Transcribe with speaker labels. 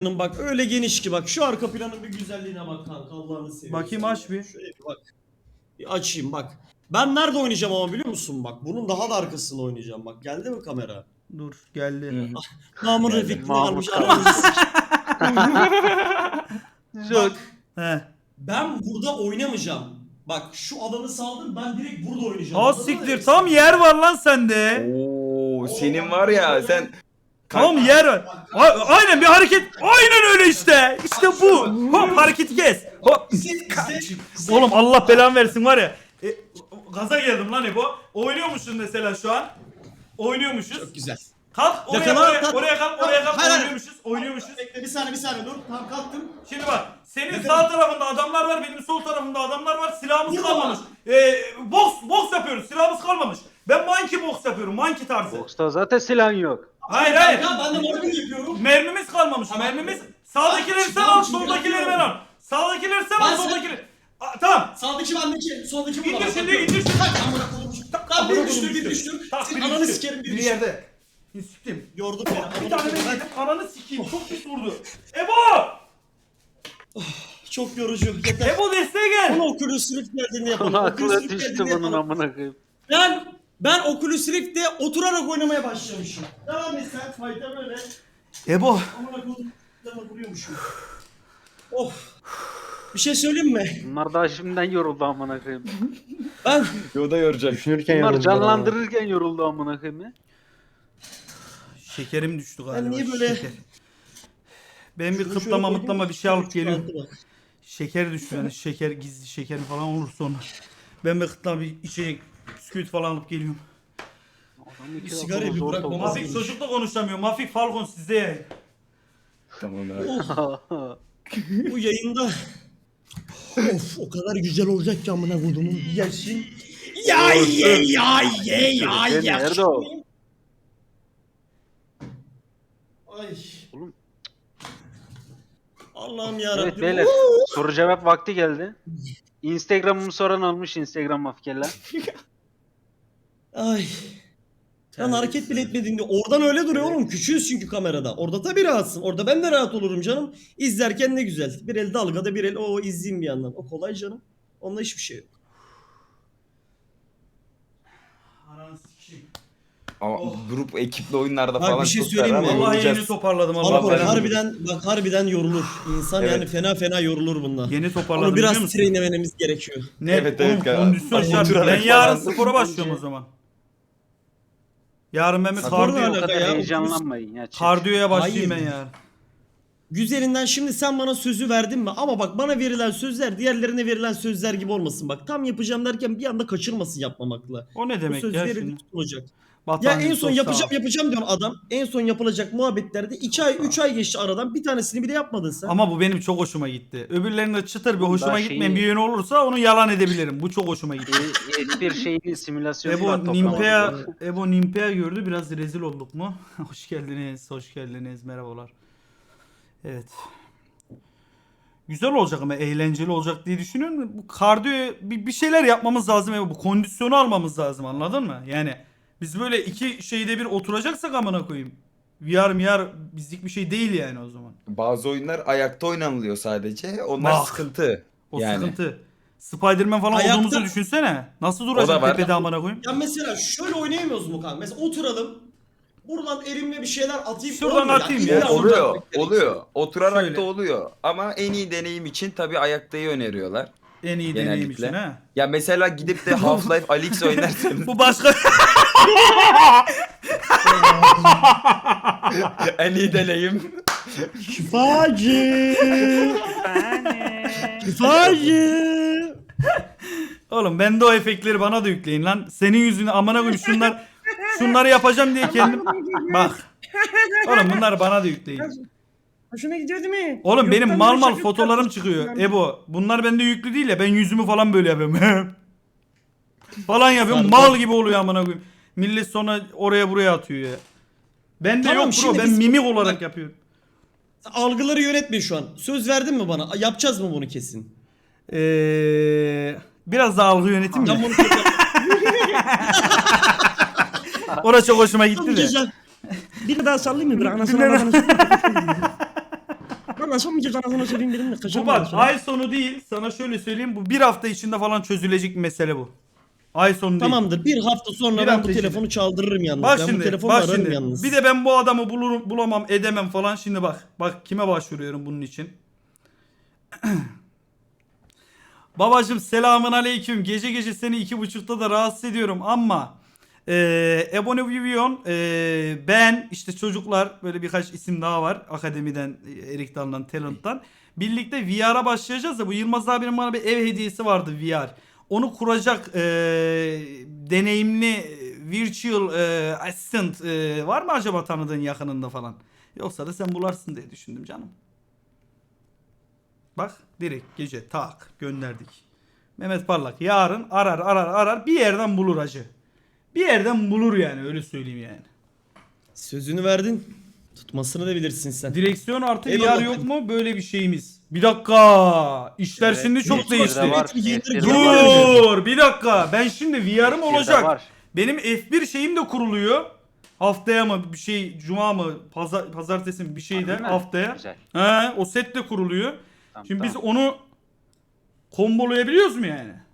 Speaker 1: bak öyle geniş ki bak şu arka planın bir güzelliğine bak kanka Allah'ını seversen.
Speaker 2: Bakayım aç bir.
Speaker 1: Şöyle bir bak. Bir açayım bak. Ben nerede oynayacağım ama biliyor musun bak. Bunun daha da arkasında oynayacağım bak. Geldi mi kamera?
Speaker 2: Dur geldi.
Speaker 1: Mahmut
Speaker 3: Geldi.
Speaker 1: Refik'te
Speaker 3: Mahmut
Speaker 1: kalmış aramızı
Speaker 3: Yok.
Speaker 2: He.
Speaker 1: Ben burada oynamayacağım. Bak şu alanı saldım ben direkt burada oynayacağım.
Speaker 2: Ha
Speaker 1: Anladın mı?
Speaker 2: siktir tam yer var lan sende.
Speaker 3: Oo, senin var ya sen
Speaker 2: Tam yer var. Aynen bir hareket. Aynen öyle işte. İşte bu. Hop hareketi kes. Hop. Oğlum Allah belanı versin var ya. Gaza geldim lan Ebo. Oynuyormuşsun mesela şu an. Oynuyormuşuz.
Speaker 1: Çok güzel.
Speaker 2: Kalk oraya
Speaker 1: Yakala,
Speaker 2: oraya,
Speaker 1: kalk.
Speaker 2: oraya kalk oraya kalk.
Speaker 1: Hayır, hayır.
Speaker 2: Oynuyormuşuz.
Speaker 1: Bekle bir saniye dur. Tamam kalktım.
Speaker 2: Şimdi bak senin sağ tarafında adamlar var, benim sol tarafımda adamlar var. Silahımız
Speaker 1: Burada
Speaker 2: kalmamış. Boks yapıyoruz. Silahımız kalmamış. Ben monkey boks yapıyorum. Monkey tarzı.
Speaker 3: boksta zaten silahın yok.
Speaker 2: Hayır.
Speaker 1: Ya ben de mobbing yapıyorum.
Speaker 2: Mermimiz kalmamış.
Speaker 1: Tamam.
Speaker 2: Mermimiz sağdakileri sen
Speaker 1: Tamam,
Speaker 2: al,
Speaker 1: şimdi
Speaker 2: soldakileri ben
Speaker 1: yapıyorum.
Speaker 2: al. Sağdakileri sen
Speaker 1: Ben
Speaker 2: al,
Speaker 1: sen-
Speaker 2: soldakileri. Tamam.
Speaker 1: Sağdaki bendeki, soldaki bu.
Speaker 2: İndir şimdi, indir şimdi.
Speaker 1: Tak amına koyayım. Tamam bir düştür.
Speaker 2: Tak,
Speaker 1: Senin
Speaker 2: biri
Speaker 1: ananı
Speaker 2: düştü.
Speaker 1: sikerim bir
Speaker 2: Bir
Speaker 1: düştür.
Speaker 2: yerde. Siktim.
Speaker 1: Yordun beni.
Speaker 2: Bir
Speaker 1: amına
Speaker 2: tane
Speaker 1: koyayım.
Speaker 2: ben yedim. Ananı sikeyim. Çok pis vurdu. Ebo!
Speaker 1: Çok yorucu. Yeter.
Speaker 2: Ebo desteğe gel.
Speaker 1: Bunu Oculus Rift geldiğinde yapalım.
Speaker 3: Aklı
Speaker 1: Oculus Rift
Speaker 3: düştü
Speaker 1: geldiğinde
Speaker 3: bunun
Speaker 1: yapalım.
Speaker 3: amına koyayım.
Speaker 1: Ben Oculus Rift'te oturarak oynamaya başlamışım. Devam et sen fayda böyle.
Speaker 2: Ebo.
Speaker 1: Amına koydum. Dama vuruyormuşum. Of. Bir şey söyleyeyim mi?
Speaker 3: Bunlar daha şimdiden yoruldu amına koyayım.
Speaker 1: Ben
Speaker 4: Yoda yoracak. Düşünürken
Speaker 3: Bunlar
Speaker 4: yoruldu.
Speaker 3: canlandırırken yoruldu amına koyayım ya.
Speaker 2: Şekerim düştü galiba.
Speaker 1: niye böyle-
Speaker 2: Şeker. Ben bir
Speaker 1: Şunu
Speaker 2: kıtlama
Speaker 1: şöyle
Speaker 2: mıtlama
Speaker 1: koyayım,
Speaker 2: bir şey alıp geliyorum.
Speaker 1: çıkartı bak.
Speaker 2: Şeker düştü yani şeker gizli şeker falan olur sonra. Ben bir kıtlama bir içecek bisküvit falan alıp geliyorum.
Speaker 3: Adam iki
Speaker 1: Sigarayı
Speaker 3: lafını
Speaker 1: bir
Speaker 3: zor
Speaker 1: bırak,
Speaker 3: topladı.
Speaker 1: olmaz.
Speaker 2: Mafik çocukla konuşamıyor. Mafik Falcon sizde yayın.
Speaker 4: Tamam abi.
Speaker 1: Bu yayında of o kadar güzel olacak ki amına kodumun yersin. Ya
Speaker 3: Nerede o?
Speaker 1: Ay.
Speaker 3: Oğlum.
Speaker 1: Allah'ım yarabbim.
Speaker 3: Evet beyler soru cevap vakti geldi. Instagram'ımı soran olmuş Instagram mafkeler.
Speaker 1: Ay. Sen hareket bile etmediğinde oradan öyle duruyor oğlum. Küçüğüz çünkü kamerada. Orada tabii rahatsın. Orada ben de rahat olurum canım. İzlerken ne güzel. Bir el dalgada bir el o izleyeyim bir yandan. O kolay canım. Onda hiçbir şey yok.
Speaker 2: Ananı sikeyim.
Speaker 4: Ama grup ekiple oyunlarda
Speaker 1: Bak,
Speaker 4: falan
Speaker 1: bir şey
Speaker 4: çok
Speaker 1: söyleyeyim mi?
Speaker 4: beraber
Speaker 2: Vallahi
Speaker 4: oynayacağız.
Speaker 2: yeni toparladım
Speaker 1: Ama
Speaker 2: Allah
Speaker 1: bak,
Speaker 2: belanı.
Speaker 1: harbiden yorulur. İnsan
Speaker 4: Evet.
Speaker 1: yani fena yorulur bundan.
Speaker 2: Yeni toparladım
Speaker 1: Onu
Speaker 2: biliyor
Speaker 1: biraz
Speaker 2: musun?
Speaker 1: trainememiz gerekiyor.
Speaker 2: Ne?
Speaker 4: Evet,
Speaker 2: Oğlum,
Speaker 4: evet.
Speaker 2: kondisyon
Speaker 4: Bak,
Speaker 2: şart.
Speaker 4: oturarak
Speaker 2: Ben yarın
Speaker 4: falan.
Speaker 2: spora başlıyorum o zaman. Yarın ben bir
Speaker 1: Sporla
Speaker 3: O
Speaker 2: kardiyo,
Speaker 1: alakalı.
Speaker 3: kadar
Speaker 1: ya,
Speaker 3: heyecanlanmayın ya.
Speaker 2: kardiyoya başlayayım
Speaker 1: Hayır.
Speaker 2: ben yarın.
Speaker 1: Güzelinden şimdi sen bana sözü verdin mi? Ama bak bana verilen sözler diğerlerine verilen sözler gibi olmasın. Bak tam yapacağım derken bir anda kaçırmasın yapmamakla.
Speaker 2: O ne
Speaker 1: Bu
Speaker 2: demek
Speaker 1: söz
Speaker 2: ya
Speaker 1: verildi
Speaker 2: şimdi?
Speaker 1: tutulacak. Ya
Speaker 2: Vatan,
Speaker 1: en son
Speaker 2: sos,
Speaker 1: yapacağım
Speaker 2: sağ ol.
Speaker 1: diyorsun adam. En son yapılacak muhabbetlerde 2 ay 3 ay geçti aradan. Bir tanesini bile yapmadın sen.
Speaker 2: Ama bu benim çok hoşuma gitti. Öbürlerinde çıtır bir hoşuma
Speaker 3: Daha
Speaker 2: gitmeyen
Speaker 3: şeyi-
Speaker 2: bir yönü olursa onu yalan edebilirim. Bu çok hoşuma gitti.
Speaker 3: Bir şeyin simülasyonu var,
Speaker 2: Ebo
Speaker 3: toplamadı.
Speaker 2: Nimpea gördü. Biraz rezil olduk mu? Hoş geldiniz. Merhabalar. Evet. Güzel olacak ama eğlenceli olacak diye düşünüyorum. Bu kardiyo bir şeyler yapmamız lazım. Bu kondisyonu almamız lazım, anladın mı? Yani biz böyle iki şeyde bir oturacaksak amına koyayım. VR bizlik bir şey değil yani o zaman.
Speaker 4: Bazı oyunlar ayakta oynanılıyor sadece. Onlar
Speaker 2: Bak.
Speaker 4: sıkıntı.
Speaker 2: O
Speaker 4: yani.
Speaker 2: sıkıntı. Spider-Man falan
Speaker 1: Ayakta-
Speaker 2: olduğumuzu düşünsene. Nasıl
Speaker 4: O da
Speaker 2: duracak
Speaker 4: var.
Speaker 2: tepede amına koyayım?
Speaker 1: Ya mesela şöyle oynayamıyoruz mu kanka? Mesela oturalım. Buradan elimle bir şeyler atayım.
Speaker 2: Şuradan
Speaker 1: Olmuyor
Speaker 2: atayım
Speaker 1: İlla
Speaker 2: ya.
Speaker 1: olacak
Speaker 4: Oluyor,
Speaker 1: bir kere.
Speaker 4: oluyor. Oturarak
Speaker 2: Şöyle.
Speaker 4: da oluyor. Ama en iyi deneyim için tabii ayaktayı öneriyorlar.
Speaker 2: En iyi deneyim
Speaker 4: Genellikle.
Speaker 2: için ha.
Speaker 4: Ya mesela gidip de Half-Life Alyx oynarsanız
Speaker 2: Bu başka...
Speaker 4: en iyi deneyim.
Speaker 1: Şifacı. Şifacı.
Speaker 2: Oğlum ben de o efektleri bana da yükleyin lan. Senin yüzüne amına koyayım şunları yapacağım diye kendim... Bak. Oğlum bunları bana da yükleyin.
Speaker 5: Hoşuna gidiyor değil mi?
Speaker 2: Oğlum benim
Speaker 5: Yoktan
Speaker 2: mal
Speaker 5: böyle
Speaker 2: mal
Speaker 5: şaka
Speaker 2: fotolarım
Speaker 5: yapıyorsun.
Speaker 2: çıkıyor. Ebo bunlar bende yüklü değil ya, ben yüzümü falan böyle yapıyorum. falan yapıyorum, mal gibi oluyor amına koyayım. Millet sonra oraya buraya atıyor ya. Bende
Speaker 1: Tamam,
Speaker 2: yok bro,
Speaker 1: şimdi
Speaker 2: ben
Speaker 1: biz-
Speaker 2: mimik olarak yapıyorum.
Speaker 1: Algıları yönetme şu an. Söz verdin mi bana? Yapacağız mı bunu kesin?
Speaker 2: Biraz da algı yönetim
Speaker 1: Ben
Speaker 2: ya.
Speaker 1: bunu kesin.
Speaker 2: Orası çok hoşuma gitti de.
Speaker 1: Güzel.
Speaker 5: Bir daha sallayayım mı? Bir anasını
Speaker 2: Bir daha-
Speaker 5: babasını anlaşamayacağız anasını söyleyeyim dedim de
Speaker 2: Bu
Speaker 5: kaçırdım.
Speaker 2: bak ay sonu değil. Sana şöyle söyleyeyim. Bu bir hafta içinde falan çözülecek bir mesele bu. Ay sonu değil.
Speaker 1: Tamamdır. Bir hafta sonra
Speaker 2: Bir
Speaker 1: ben
Speaker 2: hafta
Speaker 1: bu
Speaker 2: içinde.
Speaker 1: telefonu çaldırırım yalnız.
Speaker 2: Bak
Speaker 1: ben
Speaker 2: şimdi,
Speaker 1: bu telefonla
Speaker 2: bak
Speaker 1: ararım
Speaker 2: şimdi.
Speaker 1: yalnız.
Speaker 2: Bir de ben bu adamı bulurum, bulamam, edemem falan. Şimdi bak. Bak kime başvuruyorum bunun için. Babacım selamun aleyküm. Gece gece seni 2.30'da da rahatsız ediyorum ama Ebony Vivian, ben işte çocuklar böyle birkaç isim daha var akademiden, Erik Dalı'ndan, Talent'tan. Birlikte VR'a başlayacağız da bu Yılmaz abinin bana bir ev hediyesi vardı VR. Onu kuracak deneyimli virtual assistant var mı acaba tanıdığın yakınında falan? Yoksa da sen bularsın diye düşündüm canım. Bak direkt gece tak gönderdik. Mehmet Parlak yarın arar bir yerden bulur hacı. Bir yerden bulur yani öyle söyleyeyim yani.
Speaker 1: Sözünü verdin. Tutmasını da bilirsin sen.
Speaker 2: Direksiyon artı
Speaker 1: Eyvallah.
Speaker 2: VR yok mu böyle bir şeyimiz? Bir dakika. İşler
Speaker 3: Evet,
Speaker 2: şimdi çok
Speaker 3: F1'de
Speaker 2: değişti.
Speaker 3: var,
Speaker 1: F1'de
Speaker 3: F1'de var.
Speaker 2: Dur bir dakika. Ben şimdi VR'ım
Speaker 3: F1'de
Speaker 2: olacak.
Speaker 3: var.
Speaker 2: Benim F1 şeyim de kuruluyor. Haftaya mı bir şey cuma mı pazartesi mi bir şey de
Speaker 3: Harbi mi?
Speaker 2: haftaya.
Speaker 3: Güzel.
Speaker 2: He o set de kuruluyor.
Speaker 3: Tamam,
Speaker 2: Şimdi biz
Speaker 3: tamam.
Speaker 2: onu kombolayabiliyoruz mu yani?